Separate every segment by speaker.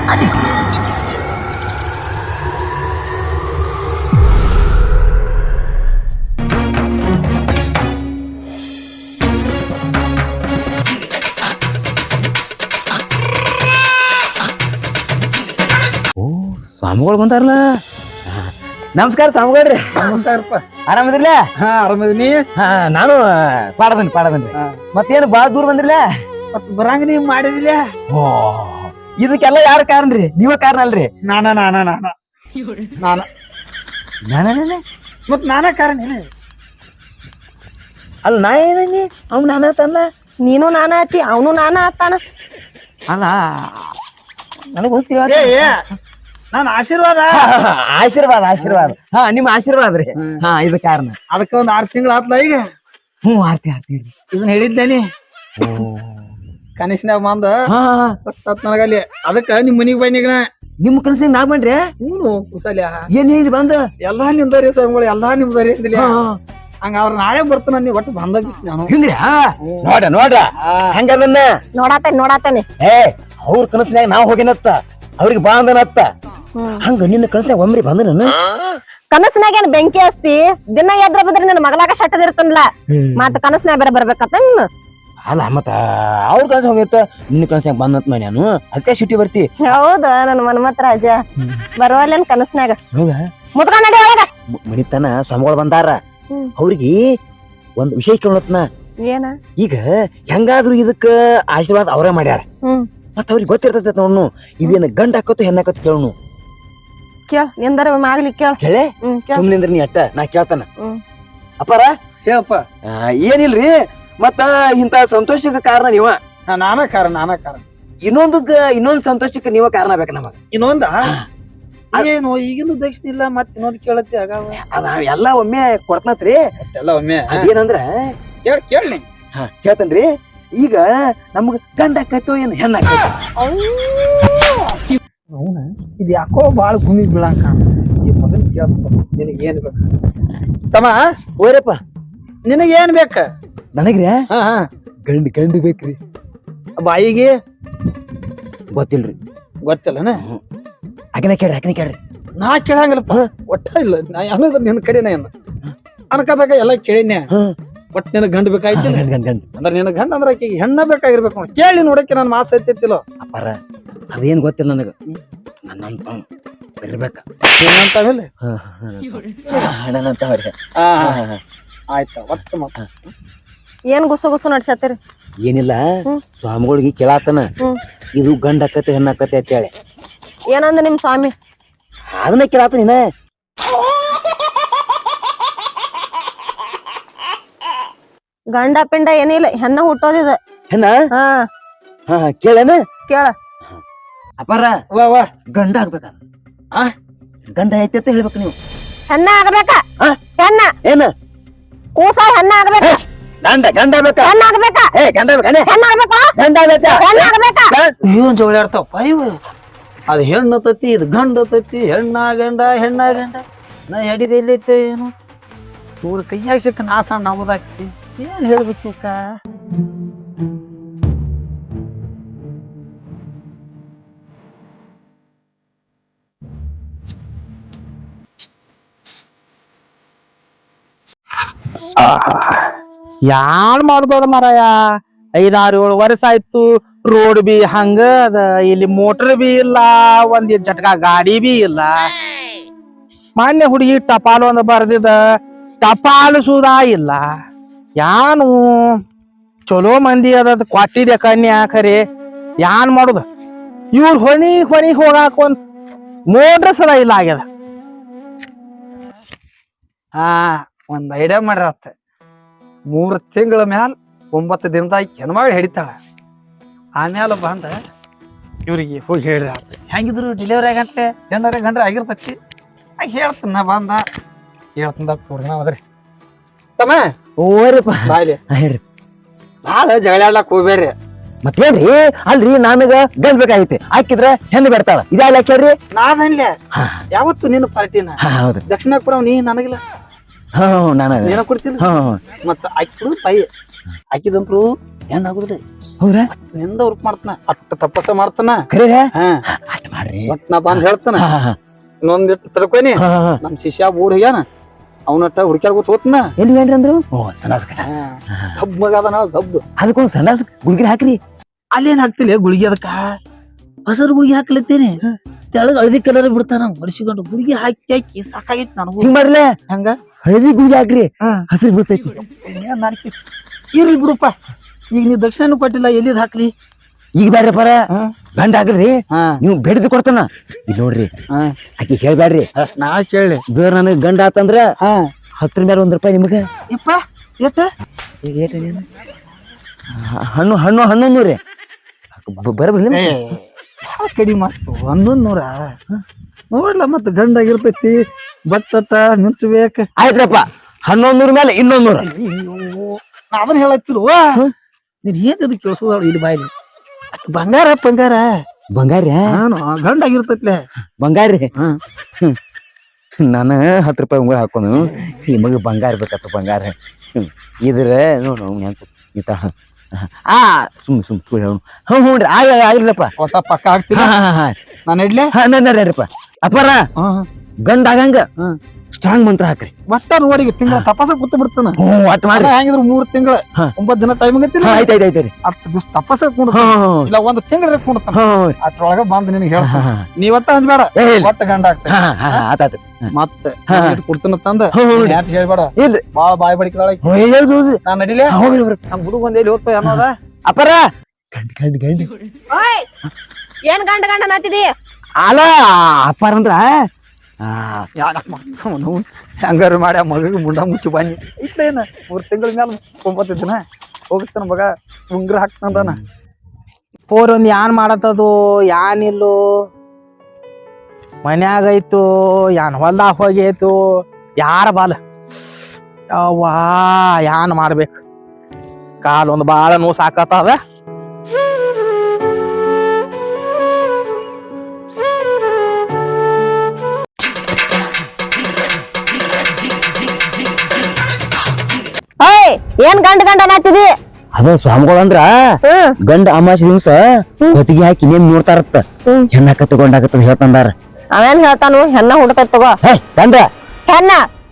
Speaker 1: ಸ್ವಾಮಿಗಳು ಬಂದಾರಲ್ಲ. ನಮಸ್ಕಾರ ಸ್ವಾಮಿಗಳ್ರಿ.
Speaker 2: ನಮಸ್ಕಾರಪ್ಪ.
Speaker 1: ಆರಾಮದಿರ್ಲ?
Speaker 2: ಹಾ ಆರಾಮದಿನಿ.
Speaker 1: ನಾನು ಪಾಡದನ್ರಿ ಮತ್ತೇನು ಬಾಳ ದೂರ ಬಂದಿರ್ಲ?
Speaker 2: ಮತ್ ಬರಂಗ ನೀವ್ ಮಾಡಿದಿಲ್ಲ.
Speaker 1: ಓ ಇದಕ್ಕೆಲ್ಲ ಯಾರ ಕಾರಣ್ರಿ? ನೀವ ಕಾರಣ ಅಲ್ರಿ?
Speaker 2: ನಾನ ಮತ್ ನಾನ ಕಾರಣ ಇಲ್ಲ.
Speaker 1: ಅಲ್ಲ ನಾ ಏನಿ ಅವ್ನು ನಾನ ಆತಲ್ಲ.
Speaker 3: ನೀನು ನಾನ ಆತಿ, ಅವನು ನಾನ ಆತಾನ.
Speaker 1: ಅಲ್ಲ ನನಗ್ ಹೋಗ್ತೀವ.
Speaker 2: ನಾನು ಆಶೀರ್ವಾದ
Speaker 1: ಆಶೀರ್ವಾದ ಆಶೀರ್ವಾದ. ಹಾ ನಿಮ್ಮ ಆಶೀರ್ವಾದ ರೀ. ಹಾ ಇದು ಕಾರಣ.
Speaker 2: ಅದಕ್ಕ ಒಂದ್ 6 ತಿಂಗಳು ಆತ್ಲ ಈಗ.
Speaker 1: ಆರ್ತಿ
Speaker 2: ಇದನ್ನ ಹೇಳಿದ್ದೇನಿ ಕನಿಷ್ಠನಾಗ ಬಂದ ನನಗಲ್ಲಿ. ಅದಕ್ಕ ನಿಮ್ ಮನಿಗ್ ಬನ್ನಿಗ
Speaker 1: ನಿಮ್ ಕನಸಿನ ನಾ ಬನ್ರಿ.
Speaker 2: ಹ್ಞೂ ಕುಸಲ್ಯ
Speaker 1: ಏನ್ ಹೇಳಿ ಬಂದ
Speaker 2: ಎಲ್ಲಾ ನಿಮ್ದರಿ ಸ್ವಾಮಿಗಳು, ಎಲ್ಲಾ ನಿಮ್ದರಿ ಅಂದಿಲ್ಲ. ಹಂಗ ಅವ್ರ ನಾಳೆ ಬರ್ತಾನ. ನೀವ್ ಒಟ್ಟು ಬಂದ ನಾನು
Speaker 1: ಹಿಂಗ್ರಿ. ನೋಡ್ರ ಹಂಗದನ್ನ
Speaker 3: ನೋಡಾತೇನೆ.
Speaker 1: ಅವ್ರ ಕನಸಿನಾಗ ನಾವ್ ಹೋಗಿನತ್ತ, ಅವ್ರಿಗೆ ಬಾ ಅಂದನತ್ತ. ಹಂಗ ನಿನ್ನ ಕನಸಿನಾಗ ಒಮ್ರಿ ಬಂದ ನಾನು.
Speaker 3: ಕನಸಿನಾಗ ಏನ್ ಬೆಂಕಿ ಹಸ್ತಿ? ದಿನ ಎದ್ರ ಬದ್ರಿ ನನ್ನ ಮಗಳಾಗ ಶಟ್ಟದಿರ್ತನ್ಲ. ಮತ್ತ ಕನಸಿನಾಗ ಬೇರೆ ಬರ್ಬೇಕತ್ತ.
Speaker 1: ಅಲ್ಲ ಮತ್ತ ಅವ್ರ ಕನಸ ಹೋಗಿತ್ತ, ನಿನ್ನ ಕನಸಿನಾಗ ಬಂದಂತ ನಾನು ಅದಕ್ಕೆ ಸಿಟಿ ಬರ್ತಿ.
Speaker 3: ಹೌದ ನನ್ ಮನ್ಮತ್ ರಾಜ ಬರುವಲ್ಲೇನ್ ಕನಸಿನಾಗ?
Speaker 1: ಹೌದಾ?
Speaker 3: ಮುದ್ಕ ನಡಿ ಒಳಗ.
Speaker 1: ಮನಿತನ ಸ್ವಾಮಿಗಳು ಬಂದಾರ. ಅವ್ರಿಗೆ ಒಂದ್ ವಿಷಯ ಕೇಳತ್ನ.
Speaker 3: ಏನ?
Speaker 1: ಈಗ ಹೆಂಗಾದ್ರು ಇದಕ್ಕ ಆಶೀರ್ವಾದ ಅವರೇ ಮಾಡ್ಯಾರ. ಮತ್ತ ಅವ್ರಿಗೆ ಗೊತ್ತಿರ್ತೈತ ನೋಡ್ನು ಇದೇನ ಗಂಡ ಹಾಕತ್ತು ಹೆಣ್ಣ ಹಾಕತ್ತು ಕೇಳನು.
Speaker 3: ಕೇಳ ನಿಂದರ ಆಗ್ಲಿ ಕೇಳ.
Speaker 1: ಕೇಳೆ ಸುಮ್ನಿಂದ್ರ ನೀ ಅಟ್ಟ ನಾ ಕೇಳ್ತಾನ. ಅಪ್ಪಾರ
Speaker 2: ಹೇಳಪ್ಪ.
Speaker 1: ಏನಿಲ್ರಿ, ಮತ್ತ ಇಂತ ಸಂತೋಷಕ್ಕೆ ಕಾರಣ ನೀವ.
Speaker 2: ನಾನ ಕಾರಣ.
Speaker 1: ಇನ್ನೊಂದ್ ಸಂತೋಷಕ್ಕೆ ನೀವ ಕಾರಣ ಬೇಕ ನಮಗ.
Speaker 2: ಇನ್ನೊಂದ ಏನು ಈಗಿನ ದಕ್ಷಿಣ ಇಲ್ಲ. ಮತ್ ಇನ್ನೊಂದು ಕೇಳತ್ತಿ ಆಗ
Speaker 1: ಅದ ಎಲ್ಲಾ ಒಮ್ಮೆ ಕೊಡ್ತನತ್ರಿ.
Speaker 2: ಎಲ್ಲ ಒಮ್ಮೆ
Speaker 1: ಅದೇನಂದ್ರ
Speaker 2: ಕೇಳಿ
Speaker 1: ಕೇಳ್ತನ್ರಿ. ಈಗ ನಮಗ ಗಂಡ ಹಾಕೈತೋ ಏನ್ ಹೆಣ್ಣ ಹಾಕೈತೋ?
Speaker 2: ಅವನ ಇದು ಯಾಕೋ ಬಾಳ ಭೂಮಿ ಬೀಳಂಕ. ಈ ಮಗನ್ ಕೇಳ್ತ ನಿನಗ ಏನ್ ಬೇಕು ತಮ್ಮ?
Speaker 1: ಓರಪ್ಪ
Speaker 2: ನಿನಗ ಏನ್ ಬೇಕ?
Speaker 1: ನನಗ್ರಿ ಗಂಡು ಬೇಕ್ರಿ.
Speaker 2: ಬಾಯಿಗೆ
Speaker 1: ಗೊತ್ತಿಲ್ರಿ.
Speaker 2: ಗೊತ್ತಿಲ್ಲನ?
Speaker 1: ಆಕಿನ ಕೇಳ್ರಿ.
Speaker 2: ನಾ ಕೇಳಂಗಿಲ್ಲಪ್ಪ. ಒಟ್ಟ ಇಲ್ಲ ನಾ ಅನ್ನೋದ್ರ ನಿನ್ ಕಡೆನ ಏನ ಅನ್ಕದಾಗ ಎಲ್ಲ ಕೇಳಿನ್ಯ. ಒಟ್ ನಿನಗ್ ಗಂಡು ಬೇಕಾಯ್ತಿಲ್ಲ. ಅಂದ್ರ ನಿನಗ್ ಗಂಡ ಅಂದ್ರ ಆಕಿಗೆ ಹೆಣ್ಣ ಬೇಕಾಗಿರ್ಬೇಕು. ಕೇಳಿ ನೋಡಕ್ಕೆ ನನ್ ಮಾತು ಸೈತಿತ್ತಿಲ್ಲ.
Speaker 1: ಅಪ್ಪಾರ ಅದೇನ್ ಗೊತ್ತಿಲ್ಲ ನನಗ. ನನ್ನಂತ ಬರ್ಬೇಕ.
Speaker 2: ಏನಂತಾವಿಲ್ಲ ಆಯ್ತ. ಒಟ್ಟು ಮತ್ತ
Speaker 3: ಏನ್ ಗುಸು ನಡ್ಸತ್ತೀರಿ?
Speaker 1: ಏನಿಲ್ಲ, ಸ್ವಾಮಿಗಳಿಗೆ ಕೇಳಾತನ ಇದು ಗಂಡ ಹಾಕತ್ತೆ ಹೆಣ್ಣ ಹಾಕತ್ತೆ ಅಂತ ಹೇಳಿ.
Speaker 3: ಏನಂದ ನಿಮ್ ಸ್ವಾಮಿ?
Speaker 1: ಅದನ್ನ ಕೇಳಾತನ.
Speaker 3: ಗಂಡ ಪಿಂಡ ಏನಿಲ್ಲ, ಹೆಣ್ಣ ಹುಟ್ಟೋದಿದ.
Speaker 1: ಹೆಣ್ಣ? ಕೇಳೇನ?
Speaker 3: ಕೇಳ.
Speaker 1: ಅಪ್ಪಾರ ಗಂಡ ಆಗ್ಬೇಕ. ಗಂಡ ಐತಿ ಅಂತ ಹೇಳ್ಬೇಕು ನೀವು.
Speaker 3: ಹೆಣ್ಣ ಆಗ್ಬೇಕ. ಹೆಣ್ಣ
Speaker 1: ಏನ?
Speaker 3: ಕೂಸ ಹೆಣ್ಣ ಆಗ್ಬೇಕ.
Speaker 1: ಗಂಡ ಆಗ್ಬೇಕ.
Speaker 3: ಹೆಣ್ಣ ಆಗ್ಬೇಕ.
Speaker 1: ಗಂಡ ಆಗ್ಬೇಕ.
Speaker 3: ಹೆಣ್ಣ ಆಗ್ಬೇಕ.
Speaker 1: ಗಂಡ ಆಗ್ಬೇಕ.
Speaker 3: ಹೆಣ್ಣ ಆಗ್ಬೇಕ.
Speaker 2: ಇವನ್ ಜೋಳಾಡ್ತಾವ ಇವ. ಅದು ಹೆಣ್ಣು ತತ್ತಿ, ಇದು ಗಂಡ ತತ್ತಿ. ಹೆಣ್ಣ ಗಂಡ ನಾ ಎಡಿದ ಎಲ್ಲೈತೆ ಏನು? ಇವ್ರ ಕೈಯಾಗ ಸಿಕ್ಕ ನಾ ಸಣ್ಣ ನಮ್ಮದಾಗ್ತಿ. ಏನ್ ಹೇಳ್ಬೇಕು? ಯಾನ್ ಮಾಡ್ದೋಡ ಮರಾಯ. 5-6-7 ವರ್ಷ ಆಯ್ತು. ರೋಡ್ ಬಿ ಹಂಗ ಅದ, ಇಲ್ಲಿ ಮೋಟರ್ ಬಿ ಇಲ್ಲ, ಒಂದ್ ಜಟ್ಕಾ ಗಾಡಿ ಬಿ ಇಲ್ಲ. ಮಾನ್ಯ ಹುಡುಗಿ ಟಪಾಲು ಒಂದ್ ಬರ್ದಿದ, ಟಪಾಲು ಸುದಾ ಇಲ್ಲ. ಯಾನು ಚಲೋ ಮಂದಿ ಅದ ಕೊಟ್ಟಿದೆ ಕನ್ಯಾ ಖರೆ. ಯಾನ್ ಮಾಡುದ? ಇವ್ರ ಹೊಣಿ ಹೋಗಾಕ ಮೋಟ್ರ್ ಸದ ಇಲ್ಲ ಆಗ್ಯದ. ಒಂದ್ ಐಡಿಯಾ ಮಾಡ್ರತ್ತ. 3 ತಿಂಗಳ ಮ್ಯಾಲ 9 ದಿನದಾಗ ಹೆಣ್ಮಗಳು ಹಿಡಿತಾಳ. ಆಮ್ಯಾಲ ಬಂದ ಇವ್ರಿಗೆ ಹೋಗಿ ಹೇಳ್ರಿ. ಹೆಂಗಿದ್ರು ಡೆಲಿವರಿ ಆಗಂತೆ ಹೆಣ್ಣಾರ ಗಂಡ್ರ ಆಗಿರ್ತತಿ. ಹೇಳ್ತನ ಬಂದ ಹೇಳ್ತಂದ ಪೂರ್ಣ ಹೋದ್ರಿ. ತಮ್ಮ ಬಾಯ್ಲಿ ಭಾಳ ಜಗಳಾಡ್ಲಕ್ ಹೋಗ್ಬೇಡ್ರಿ.
Speaker 1: ಮತ್ತೇನ್ರಿ? ಅಲ್ರಿ ನನಗ ಗಂಡ್ ಬೇಕಾಗೈತಿ, ಹಾಕಿದ್ರ ಹೆಣ್ಣು ಬರ್ತಾಳ. ಇದಲ್ಲ ಕೇಳ್ರಿ.
Speaker 2: ನಾದನ್ಲೆ ಯಾವತ್ತು ನಿನ್ನ ಪಾರ್ಟಿನ ದಕ್ಷಿಣಾಪುರ ನೀ ನನಗಿಲ್ಲ. ನೀನ ಕೊಡ್ತಿಲ್ಲ. ಮತ್ತ ಆಕಿ ಬಾಯಿ ಹಾಕಿದಂತ್ರು ಹೆಣ್ಣಾಗುದ್ರಿ.
Speaker 1: ಹೌದ್ರಾ?
Speaker 2: ನಿಂದ ಉರ್ಪ್ ಮಾಡ್ತಾನ, ಅಟ್ಟ ತಪಸ್ಸ ಮಾಡ್ತಾನ.
Speaker 1: ಖರೆ? ಮಾಡ್ರಿ
Speaker 2: ಒಟ್ ನಾ ಬಂದ್ ಹೇಳ್ತಾನ
Speaker 1: ಹಾ, ಹಾ,
Speaker 2: ಇನ್ನೊಂದಿಟ್ಟು ತಡ್ಕೊನಿ
Speaker 1: ಹಾ, ಹಾ.
Speaker 2: ನಮ್ ಶಿಷ್ಯ ಊರ್ ಹೋಗ್ಯಾನ ಅವನಟ್ಟ ಹುಡ್ಕ್ಯಾಡ್ಕೊತ ಹೋತ್ನ
Speaker 1: ಎಲ್ಲಿ ಏನ್ರಿ ಅಂದ್ರು ಓ ಸಣ್ಣಾಸ್ಕ
Speaker 2: ಗಬ್ ಮಗ ಅದನ ಗಬ್
Speaker 1: ಅದಕ್ಕೊಂದ್ ಸಣ್ಣಾಸ್ ಗುಳ್ಗಿರಿ ಹಾಕ್ರಿ
Speaker 2: ಅಲ್ಲೇನ್ ಹಾಕ್ತಿಲ್ಲ ಗುಳಿಗೆ ಅದಕ್ಕ ಹಸರು ಗುಳಿಗೆ ಹಾಕ್ಲತ್ತೇನೆ ತೆಳಗ್ ಹಳದಿ ಕಲರ್ ಬಿಡ್ತಾನ ಮಡಿಸಿಕೊಂಡು ಗುಳಿಗೆ ಹಾಕಿ ಹಾಕಿ ಸಾಕಾಗೈತಿ ನನಗೂ
Speaker 1: ಹಿಂಗ್ ಮಾಡ್ಲೆ
Speaker 2: ಹಂಗ
Speaker 1: ಹಳದಿ ಗುಳ್ಗಿ ಹಾಕ್ರಿ
Speaker 2: ಹಾ.
Speaker 1: ಹಸಿರು ಬೀಳ್ತೈತಿ
Speaker 2: ಏನ್ ನಾಲ್ಕಿ ಇರ್ಲಿ ಬಿಡುಪ್ಪ ಈಗ ನೀ ದಕ್ಷಿಣ ಕೊಟ್ಟಿಲ್ಲ ಎಲ್ಲಿದ್ ಹಾಕ್ಲಿ
Speaker 1: ಈಗ ಬ್ಯಾಡ್ರಿ ಪರ ಗಂಡ ಹಾಕ್ರಿ
Speaker 2: ಹಾ
Speaker 1: ನೀವು ಬೇಡಿದ್ ಕೊಡ್ತಾನ ಇಲ್ಲಿ ನೋಡ್ರಿ
Speaker 2: ಹಾ
Speaker 1: ಆಕಿ ಹೇಳ್ಬ್ಯಾಡ್ರಿ
Speaker 2: ನಾ ಕೇಳಿ
Speaker 1: ಬೇರೆ ನನಗ್ ಗಂಡ ಆತಂದ್ರ
Speaker 2: ಹಾ
Speaker 1: 10 ಮೇಲೆ 1 ರೂಪಾಯಿ ನಿಮಗ
Speaker 2: ಯಪ್ಪ ಎಷ್ಟ
Speaker 1: ಈಗ ಏಟ್ ಏನ್? ಹಣ್ಣು ಹಣ್ಣು ಹಣ್ಣು ರೀ ಬರಬರ್ಲಿ
Speaker 2: ಕಡಿಮೆ ಮಾಡ್ತು 1100 ನೋಡ್ಲ ಮತ್ತ ಗಂಡಾಗಿರ್ತೈತಿ ಬತ್ತಟ ಮಿಂಚಬೇಕ
Speaker 1: ಆಯ್ತ್ರಪ್ಪ 1100 ಮೇಲೆ 200
Speaker 2: ನಾ ಅದನ್ನ ಹೇಳತ್ತಿಲ್ವ ನೀನ್ ಏನ್ ಕೇಳಿಸೋದ ಇಲ್ಲಿ ಬಾಯ್ಲಿ ಬಂಗಾರ
Speaker 1: ಬಂಗಾರ
Speaker 2: ನಾನು ಗಂಡಾಗಿರ್ತೈತ್ಲೆ
Speaker 1: ಬಂಗಾರಿ ನಾನು 10 ರೂಪಾಯಿ ಉಂಗುರ ಹಾಕೋನು ಈ ಮಗ ಬಂಗಾರ ಬೇಕತ್ತ ಬಂಗಾರ ಇದ್ರ ನೋಡು ಹೆಂಗ್ ಈತ ಸುಮ್ ಹೇಳು ಹ್ಞೂನ್ರಿ ಆಗಿರ್ಲಪ್ಪ
Speaker 2: ಹೊಸ ಪಕ್ಕ ಆಗ್ತಿಲ್ಲ ನಾನು ಇಡ್ಲೆ
Speaker 1: ನಡ್ರಪ್ಪ ಅಪ್ಪಾರ ಗಂಡ ಆಗಂಗ ಸ್ಟ್ರಾಂಗ್ ಮಂತ್ರ ಹಾಕ್ರಿ
Speaker 2: ಮತ್ತ ನೋಡಿಗೆ ತಿಂಗಳ ತಪಾಸ ಕೂತ್ ಬಿಡ್ತಾನ
Speaker 1: ಒಟ್ ಮಾಡ್ರಿ
Speaker 2: ಹೆಂಗಿದ್ರು 3 ತಿಂಗಳ 9 ದಿನ ಟೈಮ್ ಆಗತ್ತಿಲ್ಲ
Speaker 1: ಆಯ್ತಾಯ್ತು
Speaker 2: 10 ದಿವಸ ತಪಾಸ ಕುಂಡ ಇಲ್ಲ 1 ತಿಂಗಳ ಕುಂಡ್ತಾನ ಅದ್ರೊಳಗ ಬಂದ್ ನಿನಗೆ ಹೇಳ ನೀವತ್ತ ಅಂದ್ಬೇಡ ಒಟ್ಟ ಗಂಡ ಆಗ್ತದೆ
Speaker 1: ಆತಾತು
Speaker 2: ಮತ್ತೆ ಕೊಡ್ತಾನ ತಂದ ಯಾಕೆ ಹೇಳ್ಬೇಡ
Speaker 1: ಇಲ್ರಿ
Speaker 2: ಬಾಳ ಬಾಯ್ ಬಡಿಕದಾಳ ನಾನ್ ನಡಿಲೆ ನಮ್ ಹುಡುಗ ಒಂದ್ ಎಲ್ಲಿ ಹೋಗ್ತಾ ಅನ್ನೋದ
Speaker 1: ಅಪ್ಪಾರ ಗಂಡ
Speaker 3: ಓಯ್ ಏನ್ ಗಂಡ ಗಂಡ ನಾತಿದಿ
Speaker 1: ಅಲ್ಲ ಅಪ್ಪಾರ ಅಂದ್ರ
Speaker 2: ಹಂಗಾರ ಮಾಡಿ ಆ ಮಗ ಮುಂಡ ಮುಚ್ಚಿ ಬನ್ನಿ ಇಟ್ಲೇನ 3 ತಿಂಗಳ ಮ್ಯಾಲ 9 ದಿನ ಹೋಗ್ತಾನ ಮಗ ಉಂಗ್ರ ಹಾಕ್ತಾನ ಪೋರ್ ಒಂದ್ ಯಾನ್ ಮಾಡತ್ತದು ಯಾನಿಲ್ಲೋ ಮನ್ಯಾಗ ಐತು ಯಾನ್ ಹೊಲ್ದಾಗ ಹೋಗೈತು ಯಾರ ಬಾಲ ಯವ್ವಾ ಯಾನ್ ಮಾಡ್ಬೇಕು ಕಾಲ್ ಒಂದ್ ಬಾಳ ನೋವು ಸಾಕತ್ತದ
Speaker 3: ಓಯ್ ಏನ್ ಗಂಡ ಗಂಡ ನಾತಿದಿ
Speaker 1: ಅದ ಸ್ವಾಮಿಗಳಂದ್ರ ಗಂಡ ಅಮಾಸಿ ದಿವ್ಸ ಹೊತ್ತಿಗೆ ಹಾಕಿ ನೇಮ್ ನೋಡ್ತಾರತ್ತ ಹೆಣ್ಣಾಕ ತಗೊಂಡಾಕತ್ತ ಹೇಳ್ತಂದಾರ
Speaker 3: ಅವೇನ್ ಹೇಳ್ತಾನು ಹೆಣ್ಣ ಹುಡ್ತೈತ್ ತಗೋ
Speaker 1: ಗಂಡ
Speaker 3: ಹೆಣ್ಣ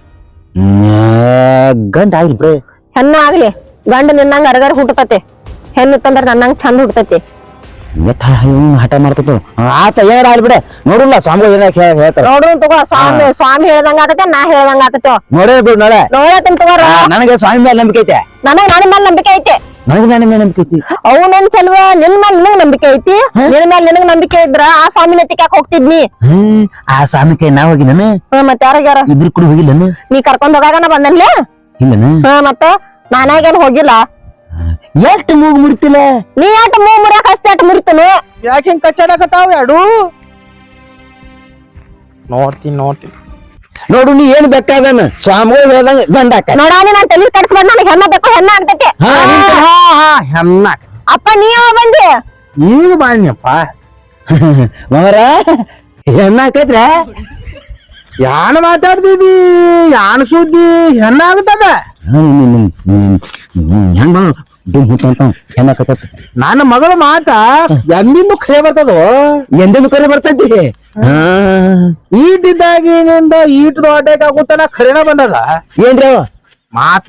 Speaker 1: ಗಂಡ ಆಗ್ಲಿ ಬಿಡ್ರಿ
Speaker 3: ಹೆಣ್ಣ ಆಗ್ಲಿ ಗಂಡ ನಿನ್ನಂಗ ಅರಗರ ಹುಟ್ಟತತೆ ಹೆಣ್ಣು ತಂದ್ರ ನನ್ನಂಗ ಚಂದ ಹುಟ್ಟತೈತಿ
Speaker 1: ಹಠ ಮಾಡ್ತದ ಆತ ಏನಾರ ಆಗ್ಲಿ ಬಿಡ ನೋಡಿಲ್ಲ ಸ್ವಾಮಿಗಳು ಏನ ಹೇಳ್ತಾರ
Speaker 3: ನೋಡ್ರು ತಗೋ ಸ್ವಾಮಿ ಹೇಳ್ದಂಗ ಆತತೆ ನಾ ಹೇಳ್ದಂಗ ಆತತೆ
Speaker 1: ನೋಡೇ ಬಿಡು ನೋಡ
Speaker 3: ನೋಡತನ್ ತಗೋರ
Speaker 1: ನನಗೆ ಸ್ವಾಮಿ ಮೇಲೆ ನಂಬಿಕೆ ಐತೆ
Speaker 3: ನನಗ್ ನನ್ನ ಮೇಲೆ ನಂಬಿಕೆ ಐತಿ
Speaker 1: ನನಗೆ ನನ್ನ ಮೇಲೆ ನಂಬಿಕೆ ಐತಿ
Speaker 3: ಅವನೇನ್ ಚಲ್ವ ನಿನ್ ಮೇಲೆ ನಿನಗ್ ನಂಬಿಕೆ ಐತಿ ನಿನ್ ಮೇಲೆ ನಿನಗ್ ನಂಬಿಕೆ ಇದ್ರ ಆ ಸ್ವಾಮಿನ ಎತ್ತಿಕ್ ಹೋಗ್ತಿದ್ನಿ
Speaker 1: ಆ ಸ್ವಾಮಿ ಕೈ ನಾ ಹೋಗಿ ನಾನು
Speaker 3: ಮತ್ ಯಾರ
Speaker 1: ಇಬ್ರು ಕೂಡ ಹೋಗಿಲ್ಲನು
Speaker 3: ನೀ ಕರ್ಕೊಂಡ್ ಹೋಗಾಗ ಬಂದನ್ಲೇ
Speaker 1: ಇಲ್ಲನು
Speaker 3: ಮತ್ತ ನಾನಾಗೇನ್ ಹೋಗಿಲ್ಲ
Speaker 1: ಎಷ್ಟು ಮೂಗು ಮುರಿತಿಲ್ಲ
Speaker 3: ನೀ ಆಟ ಮುರಿಯಾಕ ಹಸ್ತಿ ಆಟ ಮುರಿತನು
Speaker 2: ಯಾಕೆ ಹಿಂಗ್ ಕಚ್ಚಾಡಕತ್ತಾವ ಎರಡು ನೋಡ್ತೀನಿ
Speaker 1: ನೋಡು ನೀ ಏನ್ ಬೇಕಾದನ ಸ್ವಾಮಿಗಳು ಹೇಳ್ದಂಗ ಗಂಡ ಹಾಕ
Speaker 3: ನೋಡಾನಿ ನಾನ್ ತಲಿ ಕಟ್ಸ್ಬಾರ್ದು ನನಗೆ ಹೆಣ್ಣ ಬೇಕು ಹೆಣ್ಣ ಆಗ್ತೈತಿ
Speaker 2: ಹೆಣ್ಣ
Speaker 3: ಅಪ್ಪ ನೀ ಯಾವ ಬಂದಿ
Speaker 2: ಈಗ ಬಾಣ್ಯಪ್ಪ
Speaker 1: ಮಗರ ಹೆಣ್ಣ ಹಾಕೈತ್ರ
Speaker 2: ಯಾನ್ ಮಾತಾಡ್ತಿದಿ ಯಾನ್ ಸುದ್ದಿ ಹೆಣ್ಣ ಆಗ್ತದ
Speaker 1: ಹೆಂಗ ಹೆಣ್ಣ ಹಾಕತ್ತ
Speaker 2: ನನ್ನ ಮಗಳ ಮಾತ ಎಂದಿಂದು ಖರೆ ಬರ್ತದೋ
Speaker 1: ಎಂದೆಂದು ಕರೆ ಬರ್ತೈತಿ
Speaker 2: ಈಟಿದ್ದಾಗಿನಿಂದ ಈಟ್ ದೊಡ್ಡಕ್ಕೆ ಆಗುತ್ತಲ್ಲ ಖರೇನ ಬಂದದ
Speaker 1: ಏನ್ರಿ ಅವ
Speaker 2: ಮಾತ್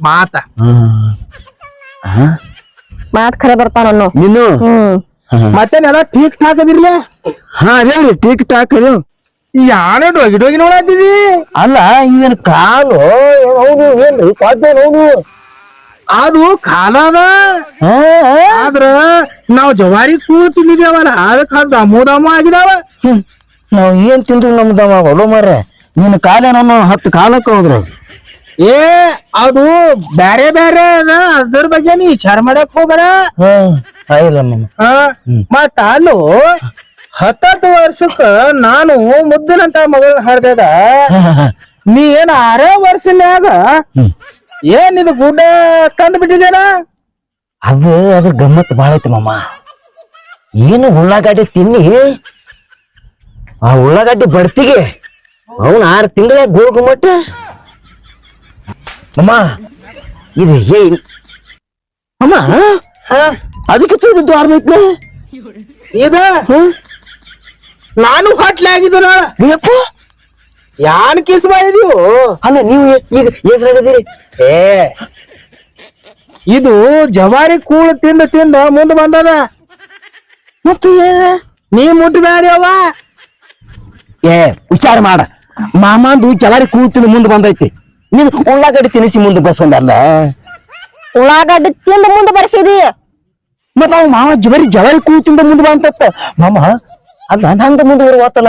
Speaker 3: ಮಾತ್ ಖರೆ ಬರ್ತಾನ
Speaker 1: ನೀನು
Speaker 2: ಮತ್ತೇನೆಲ್ಲ ಠೀಕ್ ಠಾಕ್ ಅದಿರ್ಲೆ
Speaker 1: ಅದೇನ್ರಿ ಟಿಕ್ ಟಾಕ್ ಅದು
Speaker 2: ಯಾನ ಡೋಗಿ ನೋಡತ್ತಿದಿ
Speaker 1: ಅಲ್ಲ ಇವನ್ ಕಾಲು ಹೌದು ಏನ್ರಿ ಕಾದ್ಮೇಲೆ ಹೌದು
Speaker 2: ಅದು ಕಾಲದ ಆದ್ರ ನಾವ್ ಜವಾರಿ ಕೂಳ್ ತಿಂದಿದ್ದೇವಲ್ಲ ಅದಕ್ಕ ದಮು ಆಗಿದಾವ
Speaker 1: ನಾವ್ ಏನ್ ತಿಂದ್ರು ನಮ್ದವ ಹೊಲ ಮಾರ ನಿನ್ ಕಾಲ ನಾನು 10 ಕಾಲಕ್ಕೆ ಹೋದ್ರು
Speaker 2: ಏ ಅದು ಬ್ಯಾರೆ ಅದ ಅದ್ರ ಬಗ್ಗೆ ನೀ ವಿಚಾರ ಮಾಡಕ್ ಹೋಗ್ಬೇಡ ಮತ್ತ ಅಲ್ಲೂ 10 ವರ್ಷಕ್ಕ ನಾನು ಮುದ್ದನಂತ ಮಗಳನ್ನ ಹಾಡ್ದ ನೀ ಏನ್ 6 ವರ್ಷನ್ಯಾಗ ಏನ್ ಇದು ಗುಡ್ಡ ಕಂಡು ಬಿಟ್ಟಿದೇನ
Speaker 1: ಅದ್ರ ಗಮ್ಮತ್ ಬಾಳ ಐತಿ ಮಾಮ ಏನು ಉಳ್ಳಾಗಡ್ಡಿ ತಿನ್ನಿ ಆ ಉಳ್ಳಾಗಡ್ಡಿ ಬಡ್ತಿಗೆ ಅವನ್ 6 ತಿಂಗಳ ಗೋಳ್ ಗುಮ್ಮಟ್ಟ ಅಮ್ಮ ಇದು ಅಮ್ಮ ಅದಕ್ಕೆ ದ್ವಾರ ಐತ್ಲ
Speaker 2: ಇದ ನಾನು ಹೊಟ್ಲೆ ಆಗಿದ್ದು
Speaker 1: ಯಪ್ಪ
Speaker 2: ಯಾನ್ ಕಿಸ್ ಮಾಡಿದೀವು
Speaker 1: ಅಲ್ಲ ನೀವು ಈಗ ಏನ್ರಾಗದಿರಿ
Speaker 2: ಏ ಇದು ಜವಾರಿ ಕೂಳು ತಿಂದ ಮುಂದ್ ಬಂದದ
Speaker 1: ಮತ್ತೆ
Speaker 2: ನೀ ಮುಟ್ಬೇಡಿ ಅವ್ವ
Speaker 1: ಏ ವಿಚಾರ ಮಾಡ ಮಾಮಾಂದು ಜವಾರಿ ಕೂತಿನ ಮುಂದೆ ಬಂದೈತಿ ನೀನು ಉಳ್ಳಾಗಡ್ಡಿ ತಿನಿಸಿ ಮುಂದೆ ಬರ್ಸೊಂದಲ್ಲ
Speaker 3: ಉಳ್ಳಾಗಡ್ಡಿ ತಿಂದ ಮುಂದೆ ಬರ್ಸಿದಿ
Speaker 1: ಮತ್ತ ಅವ್ ಮಾವ ಜವಾರಿ ಕೂತಿಂದ ಮುಂದೆ ಬಂತ ಮಾಮ ಅಲ್ಲ ಹಂಗ ಮುಂದೆ ಬರುವತ್ತಲ್ಲ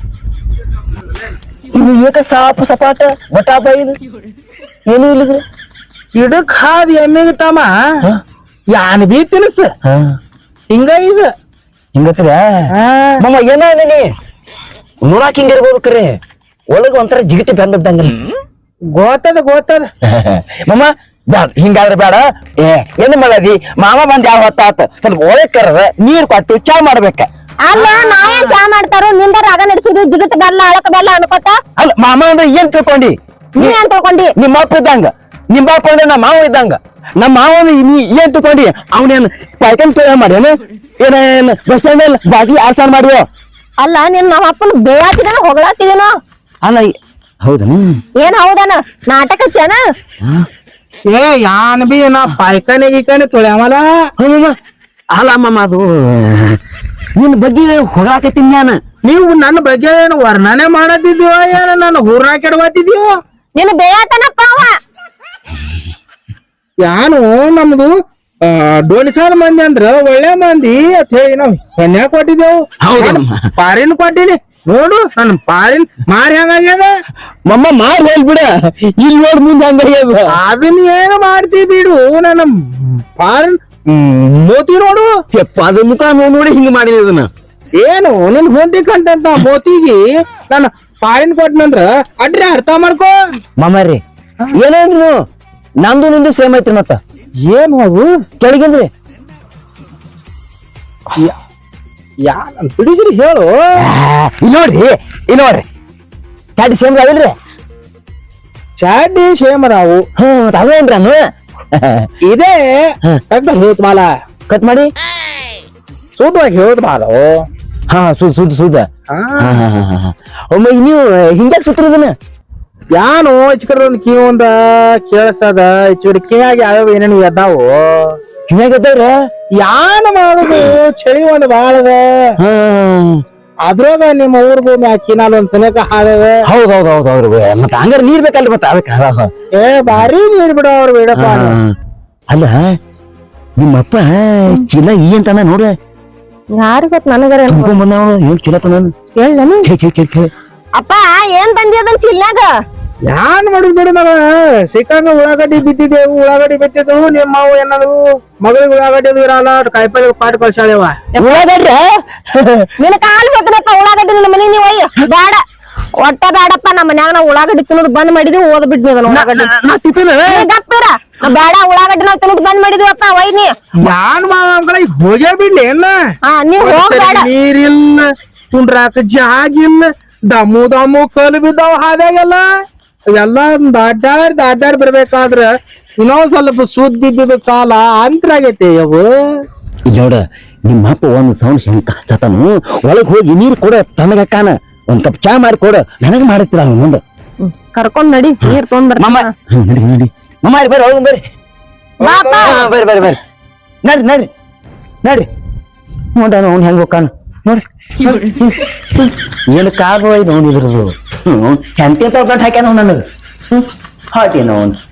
Speaker 1: ಇದು ಏಕ ಸಾಪ ಸಪಾಟ ಬಟಾ ಬೈದು ಏನು ಇಲ್ಲಿದ್ರೆ
Speaker 2: ಇಡಕ್ ಹಾದ್ ಎಮ್ಮಿಗೆ ತಮ್ಮ ಯಾನ್ ಬಿ ತಿನ್ಸ ಹಿಂಗ ಇದು
Speaker 1: ಹಿಂಗತ್ರ ಮಾಮ ಏನೋ ನೀ ನೋಡಾಕ್ ಹಿಂಗಿರ್ಬೋದು ಕರೆ ಒಳಗ ಒಂಥರ ಜಿಗಿಟಿ ಬೆಂದಂಗಲ್ಲ
Speaker 2: ಗೊತ್ತದ
Speaker 1: ಮಾಮ ಬ್ಯಾಡ ಹಿಂಗಾದ್ರೆ ಬೇಡ ಏನು ಮಾಡದಿ ಮಾಮ ಬಂದ್ ಯಾವ ಹೊತ್ತಾತ ಸ್ವಲ್ಪ ಒಳಗ್ ಕರದ ನೀರ್ ಕೊಟ್ಟು ಚಾ ಮಾಡ್ಬೇಕ
Speaker 3: ಅಲ್ಲ ನಾವೇನ್ ಚಾ ಮಾಡ್ತಾರೋ ನಿಂದ ರಾಗ ನಡೆಸಿದ್ವಿ ಜಿಗಟ್ ಬೆಲ್ಲ ಅಳಕ ಬೆಲ್ಲ ಅನ್ಕೋತ
Speaker 1: ಅಲ್ಲ ಮಾಮ ಅಂದ್ರೆ ಏನ್ ತಿಳ್ಕೊಂಡಿ
Speaker 3: ನೀ ಏನ್ ತಿಳ್ಕೊಂಡಿ
Speaker 1: ನಿಮ್ಮ ಅಪ್ಪ ಇದ್ದಂಗ ನಿಮ್ಮ ಅಪ್ಪ ಅಂದ್ರೆ ನಮ್ಮ ಮಾವ ಇದ್ದಂಗ ನಮ್ಮ ಮಾವ ನೀ ಏನ್ ತಿಳ್ಕೊಂಡಿ ಅವನೇನ್ ಪಾಯ್ಕನ್ ಕೇಳ ಮಾಡ್ಯಾನ ಏನೇನ್ ಬಸ್ ಸ್ಟ್ಯಾಂಡ್ ಅಲ್ಲಿ ಬಾಗಿ ಆಸಾನ್ ಮಾಡುವ
Speaker 3: ಅಲ್ಲ ನಿನ್ ನಮ್ಮ ಅಪ್ಪನ ಬೇಯಾತಿದೇನೋ ಹೊಗಳಾತಿದೇನೋ
Speaker 1: ಅಲ್ಲ ಹೌದಾ
Speaker 3: ಏನ್ ಹೌದನ ನಾಟಕ ಹಚ್ಚನ
Speaker 2: ಏ ಯಾನ್ ಬಿ ನಾ ಪಾಯ್ಕಾನೆ ಗೀಕಾನೆ ತೊಳ್ಯಾಮಲ್ಲ
Speaker 1: ಅಲ್ಲ ಮಾಮ ಅದು ನಿನ್ ಬಗ್ಗೆ ಹೊಗಾಕತ್ತೀನಿ ನಾನು
Speaker 2: ನೀವು ನನ್ನ ಬಗ್ಗೆ ಏನು ವರ್ಣನೆ ಮಾಡತ್ತಿದ್ದೀವ ಏನು ನನ್ನ ಹೂರ್ನ ಕೆಡವತ್ತಿದ್ದೀವ
Speaker 3: ನಿನ್ ಬೇಯಾತನಪ್ಪ ಅವ
Speaker 2: ಯಾನು ನಮ್ದು ಡೋಣಿಸಾಲ ಮಂದಿ ಅಂದ್ರ ಒಳ್ಳೆ ಮಂದಿ ಅಂತ ಹೇಳಿ ನಾವ್ ಸನ್ಯಾ ಕೊಟ್ಟಿದ್ದೇವು
Speaker 1: ಹೌದಮ್ಮ.
Speaker 2: ಪಾರಿನ್ ಕೊಟ್ಟಿನಿ ನೋಡು ನನ್ ಪಾರಿನ್ ಮಾರಿ ಹಂಗಾಗ್ಯದ
Speaker 1: ಮಮ್ಮ ಮಾರ್ ಹೇಳ್ಬಿಡ ಇಲ್ಲಿ ನೋಡ್ ಮುಂದೆ ಹಂಗಾಗ್ಯದ
Speaker 2: ಅದನ್ನ ಏನು ಮಾಡ್ತಿ ಬಿಡು ನನ್ನ ಪಾರಿನ್ ಮೋತಿ ನೋಡು
Speaker 1: ಯಪ್ಪ ಅದ ಮುಖ ನೋಡಿ ಹಿಂಗ್ ಮಾಡಿದ ಅದನ್ನ
Speaker 2: ಏನು ನನ್ ಹೊಂದಿ ಕಂಟಂತ ಮೋತಿಗಿ ನನ್ನ ಪಾರಿನ್ ಕೊಟ್ಟನಂದ್ರ ಅಡ್ರಿ ಅರ್ಥ ಮಾಡ್ಕೋ
Speaker 1: ಮಾಮಾರಿ ಏನೇನ್ರಿ ನಮ್ದು ನಿಂದು ಸೇಮ್ ಐತ್ರಿ ಮತ್ತ
Speaker 2: ಏನು ಅದು
Speaker 1: ಕೆಳಗಿಂದ್ರಿ
Speaker 2: ಯಾ ನನ್ ಬಿಡಿಸ್ರಿ ಹೇಳು
Speaker 1: ಇಲ್ಲಿ ನೋಡ್ರಿ ಚಾಡಿ ಸೇಮ್ ಆಗಿಲ್ರಿ
Speaker 2: ಚಾಡಿ ಶೇಮರಾವು
Speaker 1: ಅವೇನ್ರಿ ಅನ್ನು
Speaker 2: ಇದೇ ಕಟ್ ಹೇಳ್ತ ಮಾಲ
Speaker 1: ಕಟ್ ಮಾಡಿ
Speaker 2: ಸೂದವಾಗಿ ಹೇಳ್ತ ಮಾಲು
Speaker 1: ಹಾ ಸುದ್ದ ಒಮ್ಮೆ ನೀವು ಹಿಂಗ್ಯಾಕ್ ಸುತ್ತಿರೋದನ್ನ
Speaker 2: ಯಾನು ಇಚ್ಕಡ್ದೊಂದ್ ಕಿವೊಂದ ಕೇಳಿಸದ ಇಚ್ಚುಡಿ ಕಿವ್ಯಾಗ ಯಾವ್ಯಾವ ಏನೇನು ಎದ್ದಾವು
Speaker 1: ಹಿಂಗ್ಯಾಗತ್ತವ್ರ
Speaker 2: ಯಾನ್ ಮಾಡುದು ಚಳಿ ಒಂದ್ ಬಾಳದ ಅದ್ರಾಗ ನಿಮ್ಮ ಊರ್ ಭೂಮಿ ಕಿನಾಲ್ ಒಂದ್ ಸನೇಕ ಹಾದದ
Speaker 1: ಹೌದೌದೌದೌದು ಮತ್ತೆ ಹಂಗಾರ ನೀರ್ ಬೇಕಲ್ರಿ ಮತ್ತೆ ಅದಕ್ಕೆ
Speaker 2: ಏ ಬಾರಿ ನೀರ್ ಬಿಡ ಅವ್ರು ಬಿಡಪ್ಪ
Speaker 1: ಅಲ್ಲ ನಿಮ್ಮಪ್ಪ ಚೀಲ ಈ ಅಂತಾನ ನೋಡ್ರಿ
Speaker 3: ಯಾರಿಗ ಗೊತ್ತ ನನಗರ
Speaker 1: ತುಂಬ್ಕೊಂಡ್ ಬಂದವ ಏನ್ ಚೀಲ ತನ
Speaker 3: ಹೇಳನು ಅಪ್ಪ ಏನ್ ತಂದಿ ಅದನ್ ಚಿಲ್ಲಾಗ
Speaker 2: ಯಾನ್ ಮಾಡುದ್ ಬಿಡು ಮಗ ಸಿಕ್ಕಂಗ ಉಳ್ಳಾಗಡ್ಡಿ ಬಿತ್ತಿದ್ದೆವು ಉಳ್ಳಾಗಡ್ಡಿ ಬಿತ್ತಿದ್ದೆವು ನಿಮ್ಮ ಮಾವು ಏನಾದ್ರು ಮಗಳಿಗೆ ಉಳ್ಳಾಗಡ್ಡಿ ಅದು ಇರಲ್ಲ ಕಾಯಿಪಲ್ಲೆ ಪಾಟ್ ಕಳ್ಸಾಳೆವ
Speaker 1: ಉಳ್ಳಾಗಡ್ರಿ
Speaker 3: ನಿನ್ನ ಕಾಲ್ ಬೇಕಪ್ಪ ಉಳ್ಳಾಗಡ್ಡಿ ನಿನ್ನ ಮನಿ ನೀವು ಅಯ್ಯ ಬೇಡ ಒಟ್ಟ ಬೇಡಪ್ಪ ನಮ್ಮ ಮನ್ಯಾಗ ನಾವು ಉಳ್ಳಾಗಡ್ಡಿ ತಿನ್ನೋದು ಬಂದ್ ಮಾಡಿದ್ವಿ ಓದ್ ಬಿಡ್ನಿ ಅದನ್ನ ಉಳ್ಳಾಗಡ್ಡಿ
Speaker 1: ನಾ ತಿಂತೇನೆ
Speaker 3: ಗಪ್ಪಿರ ಬೇಡ ಉಳ್ಳಾಗಡ್ಡಿ ನಾವು ತಿನ್ನೋದು ಬಂದ್ ಮಾಡಿದ್ವಪ್ಪ ವೈನಿ
Speaker 2: ಯಾನ್ ಮಾವ ಈಗ ಹೋಗೇ ಬಿಡ್ಲಿ ಏನ
Speaker 3: ಹಾ ನೀವ್ ಹೋಗ್ಬೇಡ
Speaker 2: ನೀರಿಲ್ಲ ಕುಂಡ್ರಾಕ ಜಾಗಿಲ್ಲ ದಮ್ಮು ಕಲ್ ಬಿದ್ದಾವ ಹಾದ್ಯಾಗೆಲ್ಲ ಎಲ್ಲ ದಾಡ್ಯಾಡ್ ಬರ್ಬೇಕಾದ್ರ ಇನ್ನೊಂದ್ ಸ್ವಲ್ಪ ಸುದ್ದಿದ್ದ ಕಾಲ ಅಂತರಾಗೈತೆ ಅವು
Speaker 1: ನೋಡ ನಿಮ್ಮ ಅಪ್ಪ ಒಂದ್ ಸೌಂಡ್ ಶಂಕ ಹಚ್ಚತನು ಒಳಗ್ ಹೋಗಿ ನೀರ್ ಕೊಡ ತನಗಕ್ಕಾನ ಒಂದ್ ಕಪ್ ಚಾ ಮಾಡಿ ಕೊಡ ನನಗ್ ಮಾಡತ್ತೀರ ಅವ್ನು ಮುಂದೆ
Speaker 3: ಕರ್ಕೊಂಡ್ ನಡಿ ನೀರ್ ತೊಗೊಂಡ್
Speaker 1: ಮಮ್ಮ ನಡಿ ನಡಿ ಮಮ್ಮ ಬರ್ರಿ ಒಳಗ್ ಬರ್ರಿ ಬರ್ರಿ ಬರ್ರಿ ಬರ್ರಿ ನಡ್ರಿ ನಡ್ರಿ ನಡ್ರಿ ನೋಡ ಅವ್ನು ಹೆಂಗ್ ಹೋಗ್ಕಾನ ನೋಡ್ರಿ ಏನು ಕಾರ್ ನೋಡಿದ್ರದು ಎಂತ ಹಾಕ್ಯಾನ ನನಗ ಹಾಕೇನ ಅವ್ನು